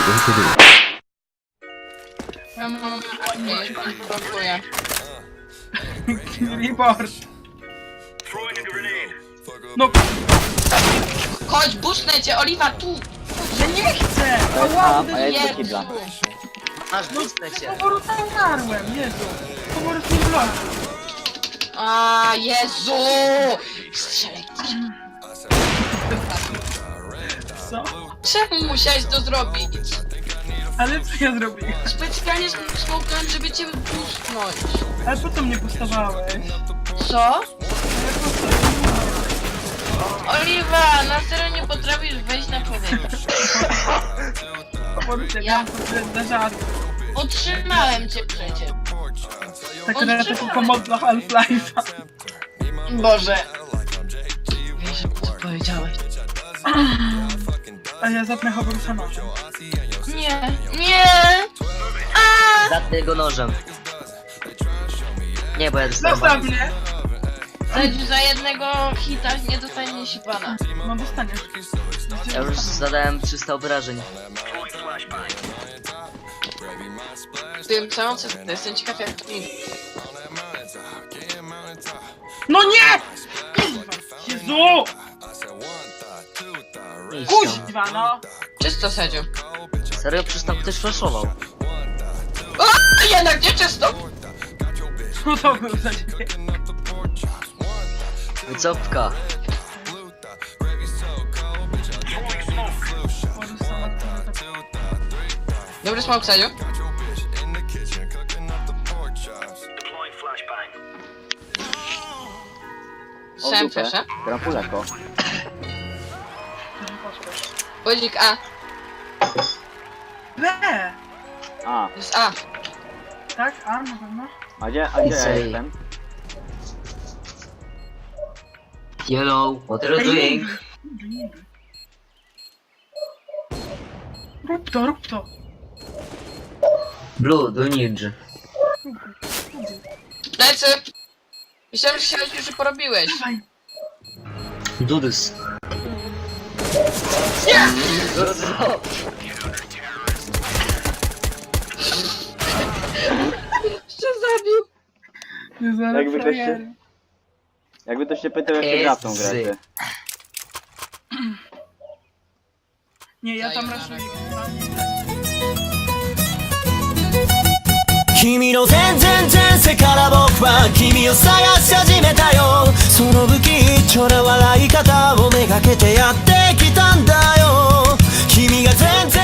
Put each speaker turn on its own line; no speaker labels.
Ja mam... Nie, blokuję.
Report. No,
Chodź, busnę cię, Oliwa, tu!
ja nie chcę!
To jest
Ała,
A, a ja idę do
Jezu!
kibla.
Masz bustę cię.
Poworu tam umarłem, Jezu. Poworu z nim bloku.
A Jezu! Strzelaj.
Co?
Czemu musiałeś to zrobić?
Ale co ja zrobiłem?
Specjalnie smoknąłem, żeby cię busnąć.
Ale po co mnie postawałeś?
Co? Oliwa, na serio nie potrafisz wejść na powietrze.
Poworu cię,
Ja-
za żart.
Utrzymałem cię przecież.
Tak na taką pomoc dla Half-Life'a.
Boże. Wiesz, co powiedziałeś?
A ja zapnę Hoborusa nożem.
Nie, nie!
Zatnę go nożem. Nie, bo ja dostałem
Zostaw
bana.
mnie!
Za jednego hita nie dostanie się pana.
No dostaniesz.
Ja już zadałem 300 obrażeń.
Tym całą co jestem ciekaw jak to mi.
No nie! Jezu!
Idź tam.
Kuźwa, no!
Czysto, Sedziu.
Serio, przecież tam ktoś flashował.
A jednak nie czysto!
Co to był za dźwięk?
Wycofka.
Horus sama
Dobry smok, Sedziu.
O,
Słyszałem
dupę.
proszę.
Gram Puleko.
Budzik A.
B!
A,
To jest A.
Tak? A, na pewno?
a gdzie ja
Say.
jestem?
Hello, what are you doing?
Rób to, rób to!
Blue, do ninja.
Lecę! Myślałem, że się już porobiłeś.
Dawaj!
Do this.
Nie! Co zabił?
Nie zaraz
Jakby ktoś
frajery.
się... Jakby to się pytał, jak się gra w tą grę. ty.
Nie, ja tam
Sayonara.
raszuję.
君の全然前世から僕は君を探し始めたよその不吉祥な笑い方をめがけてやってきたんだよ君が全然